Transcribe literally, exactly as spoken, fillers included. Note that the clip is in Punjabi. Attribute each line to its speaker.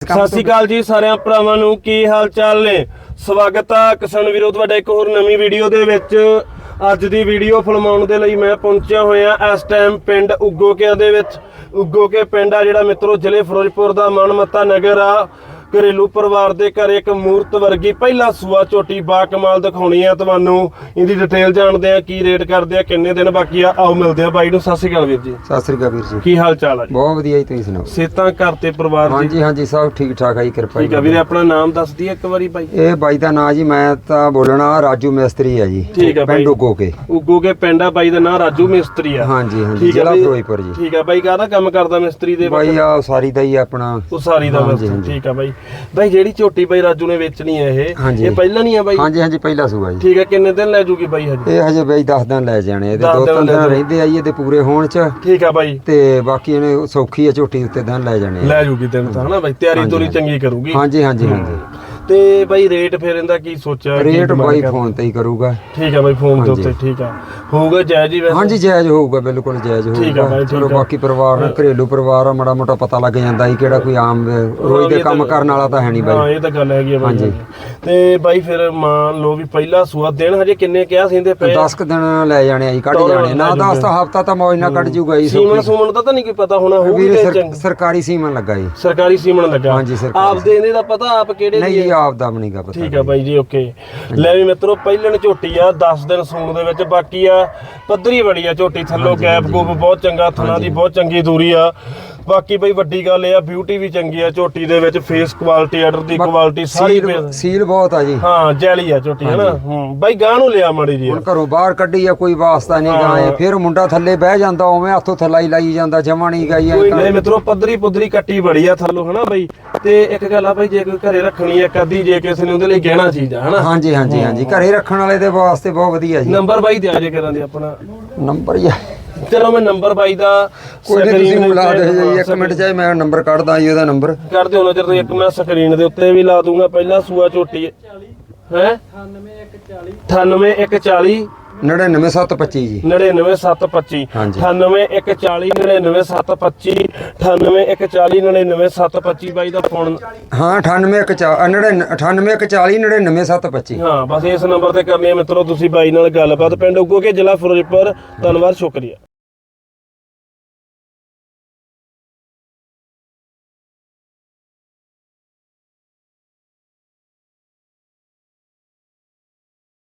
Speaker 1: ਸਤਿ ਸ਼੍ਰੀ ਅਕਾਲ ਜੀ ਸਾਰਿਆਂ ਭਰਾਵਾਂ ਨੂੰ, ਕੀ ਹਾਲ ਚਾਲ ਨੇ। ਸਵਾਗਤ ਆ ਕਿਸਾਨ ਵੀਰੋ ਤੁਹਾਡਾ ਇੱਕ ਹੋਰ ਨਵੀਂ ਵੀਡੀਓ ਦੇ ਵਿੱਚ। ਅੱਜ ਦੀ ਵੀਡੀਓ ਫਿਲਮਾਉਣ ਦੇ ਲਈ ਮੈਂ ਪਹੁੰਚਿਆ ਹੋਇਆ ਇਸ ਟਾਈਮ ਪਿੰਡ ਉਗੋਕੇ ਦੇ ਵਿੱਚ। ਉਗੋਕੇ ਪਿੰਡ ਆ ਜਿਹੜਾ ਮਿੱਤਰੋ ਜ਼ਿਲ੍ਹੇ ਫਿਰੋਜ਼ਪੁਰ ਦਾ ਮਨਮੱਤਾ ਨਗਰ ਆ। ਘਰੇਲੂ ਪਰਿਵਾਰ ਦੇ ਘਰ ਇੱਕ ਮੂਰਤ ਵਰਗੀ ਪਹਿਲਾ ਸੂਆ ਝੋਟੀ ਬਾ ਕਮਾਲ ਦਿਖਾਉਣੀ ਆ ਤੁਹਾਨੂੰ। ਇਹਦੀ ਡਿਟੇਲ ਜਾਣਦੇ ਆ, ਕੀ ਰੇਟ ਕਰਦੇ ਆ, ਕਿੰਨੇ ਦਿਨ ਬਾਕੀ ਆ। ਆਓ ਮਿਲਦੇ ਆ ਬਾਈ ਨੂੰ। ਸਤਿ ਸ਼੍ਰੀ ਅਕਾਲ ਵੀਰ ਜੀ।
Speaker 2: ਸਤਿ ਸ੍ਰੀ ਅਕਾਲ ਵੀਰ ਜੀ,
Speaker 1: ਕੀ ਹਾਲ ਚਾਲ ਆ ਜੀ?
Speaker 2: ਬਹੁਤ ਵਧੀਆ ਜੀ, ਤੁਸੀਂ ਸੁਣਾਓ।
Speaker 1: ਸਿਹਤਾਂ ਘਰ ਤੇ ਪਰਿਵਾਰ
Speaker 2: ਹਾਂਜੀ
Speaker 1: ਦੀ?
Speaker 2: ਹਾਂਜੀ ਸਭ ਠੀਕ ਠਾਕ ਆ ਜੀ, ਕਿਰਪਾ
Speaker 1: ਠੀਕ ਆ ਵੀਰੇ। ਆਪਣਾ ਨਾਮ ਦੱਸ ਦਈਏ ਇੱਕ ਵਾਰੀ ਬਾਈ।
Speaker 2: ਇਹ ਬਾਈ ਦਾ ਨਾਂ ਜੀ, ਮੈਂ ਤਾਂ ਬੋਲਣਾ ਰਾਜੂ ਮਿਸਤਰੀ ਆ ਜੀ।
Speaker 1: ਠੀਕ ਆ ਬਾਈ।
Speaker 2: ਪਿੰਡ ਉਗੋਕੇ।
Speaker 1: ਉਗੋਕੇ ਪਿੰਡ ਆ ਬਾਈ ਦਾ ਨਾਂ ਰਾਜੂ ਮਿਸਤਰੀ ਆ।
Speaker 2: ਹਾਂਜੀ ਹਾਂਜੀ,
Speaker 1: ਠੀਕ ਆ
Speaker 2: ਜ਼ਿਲ੍ਹਾ
Speaker 1: ਬਾਈ।
Speaker 2: ਫਿਰੋਜ਼ਪੁਰ ਜੀ।
Speaker 1: ਠੀਕ ਆ ਬਾਈ। ਕਾਹਦਾ ਕੰਮ ਕਰਦਾ ਮਿਸਤਰੀ ਦੇ?
Speaker 2: ਬਾਈ ਆ ਉਸਾਰੀ ਦਾ ਹੀ ਆਪਣਾ।
Speaker 1: ਉਸਾਰੀ ਦਾ
Speaker 2: ਹਾਂਜੀ,
Speaker 1: ਬਸ।
Speaker 2: ਹਾਂਜੀ।
Speaker 1: ਠੀਕ ਆ ਬਾਈ। ਬਾਈ ਜਿਹੜੀ ਝੋਟੀ ਬਾਈ ਰਾਜੂ ਨੇ ਵੇਚਣੀ ਹੈ ਇਹ
Speaker 2: ਹਾਂਜੀ।
Speaker 1: ਇਹ ਪਹਿਲਾਂ ਨਹੀਂ ਆ ਬਾਈ?
Speaker 2: ਹਾਂਜੀ ਹਾਂਜੀ, ਪਹਿਲਾ ਸੂਆ ਜੀ।
Speaker 1: ਠੀਕ ਆ। ਕਿੰਨੇ ਦਿਨ ਲੈ ਜੂਗੀ ਬਾਈ ਹਜੇ?
Speaker 2: ਇਹ ਹਜੇ ਬਾਈ ਦਸ ਦਿਨ ਲੈ ਜਾਣੇ, ਇਹਦੇ
Speaker 1: ਦਸ
Speaker 2: ਦੋ
Speaker 1: ਦਿਨ
Speaker 2: ਤਿੰਨ
Speaker 1: ਲੈ
Speaker 2: ਦਿਨ
Speaker 1: ਜਾਣੇ।
Speaker 2: ਰਹਿੰਦੇ ਆ ਜੀ ਇਹਦੇ ਪੂਰੇ ਹੋਣ ਚ।
Speaker 1: ਠੀਕ ਆ ਬਾਈ।
Speaker 2: ਤੇ ਬਾਕੀ ਇਹਨੇ ਸੌਖੀ ਆ ਝੋਟੀ ਉੱਤੇ ਦਿਨ ਲੈ ਜਾਣੇ ਆ।
Speaker 1: ਲੈ ਜੂਗੀ ਦਿਨ ਤਾਂ ਹਨਾ ਬਾਈ। ਤਿਆਰੀ
Speaker 2: ਹਾਂਜੀ,
Speaker 1: ਤੋਰੀ
Speaker 2: ਹਾਂਜੀ।
Speaker 1: ਚੰਗੀ ਕਰੂਗੀ।
Speaker 2: ਹਾਂਜੀ ਹਾਂਜੀ ਹਾਂਜੀ।
Speaker 1: ਤੇ ਬਾਈ ਰੇਟ ਫਿਰ ਇਹਦਾ ਕੀ ਸੋਚਿਆ? ਕੀ
Speaker 2: ਰੇਟ
Speaker 1: demand
Speaker 2: ਬਾਈ
Speaker 1: ਕਰਦਾ?
Speaker 2: ਫੋਨ ਤੇ ਹੀ ਕਰੂਗਾ।
Speaker 1: ਠੀਕ ਆ ਬਾਈ। ਫੋਨ ਦੇ
Speaker 2: ਹਾਂਜੀ।
Speaker 1: ਉੱਤੇ। ਠੀਕ ਆ। ਹੋਊਗਾ ਜਾਇਜ਼ ਹੀ ਵੈਸੇ?
Speaker 2: ਹਾਂਜੀ ਜਾਇਜ਼ ਹੋਊਗਾ, ਬਿਲਕੁਲ ਜਾਇਜ਼
Speaker 1: ਠੀਕ ਆ
Speaker 2: ਹੋਊਗਾ।
Speaker 1: ਬਾਈ, ਠੀਕ
Speaker 2: ਚਲੋ
Speaker 1: ਆ।
Speaker 2: ਬਾਕੀ ਪਰਿਵਾਰ ਨਾਲ ਘਰੇਲੂ ਪਰਿਵਾਰ ਆ, ਮਾੜਾ ਮੋਟਾ ਪਤਾ ਲੱਗ ਜਾਂਦਾ ਸੀ ਕਿਹੜਾ ਕੋਈ ਆਮ ਰੋਜ਼ ਦੇ
Speaker 1: ਇਹ
Speaker 2: ਕੰਮ
Speaker 1: ਤਾਂ-
Speaker 2: ਕਰਨ ਵਾਲਾ ਤਾਂ ਹੈ ਨਹੀਂ
Speaker 1: ਹਾਂ
Speaker 2: ਬਾਈ।
Speaker 1: ਇਹ ਤਾਂ ਗੱਲ ਹੈਗੀ ਆ ਬਾਈ।
Speaker 2: ਹਾਂਜੀ।
Speaker 1: ਤੇ ਬਾਈ ਫਿਰ ਮੰਨ ਲਓ ਵੀ ਪਹਿਲਾ ਸੂਆ ਦਿਨ ਹਜੇ ਕਿੰਨੇ ਕਿਹਾ ਸਿੰਦੇ ਪਏ?
Speaker 2: ਦਸ ਕੁ ਦਿਨ ਲੈ ਜਾਣੇ ਆ ਜੀ, ਕੱਢ
Speaker 1: ਤਾਂ
Speaker 2: ਜਾਣੇ ਨਾ।
Speaker 1: ਲੈ
Speaker 2: ਦਸ ਤਾਂ ਹਫਤਾ ਤਾਂ ਮੌਜ ਨਾਲ ਕੱਢ ਜੂਗਾ ਜੀ।
Speaker 1: ਸੀਮਨ ਸੂਮਨ ਦਾ ਤਾਂ ਨਹੀਂ ਕੋਈ ਪਤਾ ਹੋਣਾ ਹੋਊਗੀ
Speaker 2: ਵੀਰੇ
Speaker 1: ਤੇ
Speaker 2: ਸਰ-
Speaker 1: ਚੰਗ-
Speaker 2: ਸਰਕਾਰੀ ਸੀਮਨ ਲੱਗਾ ਜੀ।
Speaker 1: ਸਰਕਾਰੀ ਸੀਮਨ ਲੱਗਾ?
Speaker 2: ਹਾਂਜੀ, ਸਰਕਾਰੀ।
Speaker 1: ਆਪ ਦੇ ਇਹਦੇ ਦਾ ਪਤਾ ਆਪ ਕਿਹੜੇ
Speaker 2: ਨਹੀਂ
Speaker 1: ਦੀ
Speaker 2: ਜੀ,
Speaker 1: ਹੈ?
Speaker 2: ਆਪ ਦਾ ਵੀ ਨਹੀਂਗਾ ਪਤਾ।
Speaker 1: ਠੀਕ ਆ ਬਾਈ ਜੀ। ਓਕੇ। ਲੈ ਵੀ ਮਿੱਤਰੋ ਪਹਿਲਣ ਝੋਟੀ ਆ, ਦਸ ਦਿਨ ਸੂਣ ਦੇ ਵਿੱਚ। ਬਾਕੀ ਆ ਪੱਧਰੀ ਬੜੀ ਆ ਝੋਟੀ, ਥੱਲੋਂ ਗੈਪ ਗੂਪ ਬਹੁਤ ਚੰਗਾ, ਥਣਾ ਦੀ ਬਹੁਤ ਚੰਗੀ ਦੂਰੀ ਆ। ਬਾਕੀ ਬਈ ਵੱਡੀ ਗੱਲ ਇਹ ਆ ਬਿਊਟੀ ਵੀ ਚੰਗੀ ਆ ਝੋਟੀ ਦੇ ਵਿੱਚ। ਫੇਸ ਕੁਆਲਿਟੀ, ਆਰਡਰ ਦੀ ਕੁਆਲਿਟੀ ਸਾਰੀ
Speaker 2: ਸੀਲ- ਸੀਲ ਬਹੁਤ ਆ ਜੀ।
Speaker 1: ਹਾਂ ਜੈਲੀ ਆ ਝੋਟੀ ਹਨਾ। ਹੂੰ ਬਾਈ ਗਾਂ ਨੂੰ ਲਿਆ ਮਾੜੀ ਜੀ।
Speaker 2: ਹੁਣ ਘਰੋਂ ਬਾਹਰ ਕੱਢੀ ਆ, ਕੋਈ ਵਾਸਤਾ ਨਹੀਂ ਗਾਏ। ਫਿਰ ਮੁੰਡਾ ਥੱਲੇ ਬਹਿ ਜਾਂਦਾ, ਉਵੇਂ ਹੱਥੋਂ ਥੱਲਾ ਹੀ ਲਾਈ ਜਾਂਦਾ, ਜਮਾ ਨਹੀਂ ਗਈ।
Speaker 1: ਕੋਈ ਨਹੀਂ ਮਿੱਤਰੋ, ਪੱਧਰੀ ਪੁੱਧਰੀ ਕੱਟੀ ਬੜੀ ਆ ਥੱਲੋਂ ਹਨਾ ਬਾਈ। ਤੇ ਇੱਕ ਗੱਲ ਆ ਬਾਈ, ਜੇ ਕੋਈ ਘਰੇ ਰੱਖਣੀ ਆ ਇੱਕ ਅੱਧੀ, ਜੇ ਕਿਸੇ ਨੇ ਉਹਦੇ ਲਈ ਗਹਿਣਾ ਚੀਜ਼ ਆ ਹਨਾ।
Speaker 2: ਹਾਂਜੀ ਹਾਂਜੀ ਹਾਂਜੀ, ਘਰੇ ਰੱਖਣ ਵਾਲੇ ਦੇ ਵਾਸਤੇ ਬਹੁਤ ਵਧੀਆ ਜੀ।
Speaker 1: ਨੰਬਰ ਬਾਈ ਦਿਆ ਜੇ ਕਰਾਂ ਦੇ ਆਪਣਾ
Speaker 2: ਨੰਬਰ ਹੀ ਆ।
Speaker 1: ਚਲੋ ਮੈਂ ਨੰਬਰ ਬਾਈ ਦਾ
Speaker 2: ਕੋਈ ਨਹੀਂ, ਤੁਸੀਂ
Speaker 1: screen
Speaker 2: ਮਿਲਾ
Speaker 1: ਦੇ
Speaker 2: ਦੇ
Speaker 1: ਉੱਤੇ-
Speaker 2: ਜੀ ਇੱਕ ਮਿੰਟ ਚਾਹੇ ਮੈਂ ਨੰਬਰ ਕੱਢਦਾ ਜੀ ਉਹਦਾ ਨੰਬਰ।
Speaker 1: ਕਰ ਦਿਓ ਨਾ ਜਦੋਂ ਇੱਕ ਮੈਂ ਸਕਰੀਨ ਦੇ ਉੱਤੇ ਵੀ ਲਾ ਦੂੰਗਾ। ਪਹਿਲਾ ਸੂਆ ਝੋਟੀ ਹੈ ਅਠਾਨਵੇਂ ਇੱਕ ਚਾਲੀ
Speaker 2: ਨੜਿਨਵੇਂ ਸੱਤ ਪੱਚੀ ਜੀ।
Speaker 1: ਨੜਿਨਵੇਂ ਸੱਤ ਪੱਚੀ
Speaker 2: ਹਾਂਜੀ।
Speaker 1: ਅਠਾਨਵੇਂ ਇੱਕ ਚਾਲੀ ਨੜਿਨਵੇਂ ਸੱਤ ਪੱਚੀ ਅਠਾਨਵੇਂ ਇੱਕ ਚਾਲੀ ਨੜਿਨਵੇਂ ਸੱਤ ਪੱਚੀ ਬਾਈ ਦਾ ਫੋਨ।
Speaker 2: ਹਾਂ ਅਠਾਨਵੇਂ ਇੱਕ ਚਾ ਨੜਿਨ ਅਠਾਨਵੇਂ ਇੱਕ ਚਾਲੀ ਨੜਿਨਵੇਂ ਸੱਤ ਪੱਚੀ।
Speaker 1: ਹਾਂ ਬਸ ਇਸ ਨੰਬਰ ਤੇ ਕਰਨੀ ਹੈ ਮਿੱਤਰੋ ਤੁਸੀਂ ਬਾਈ ਨਾਲ ਗੱਲਬਾਤ। ਪਿੰਡ ਉਗੋਕੇ, ਜ਼ਿਲ੍ਹਾ ਫਿਰੋਜ਼ਪੁਰ। ਧੰਨਵਾਦ, ਸ਼ੁਕਰੀਆ।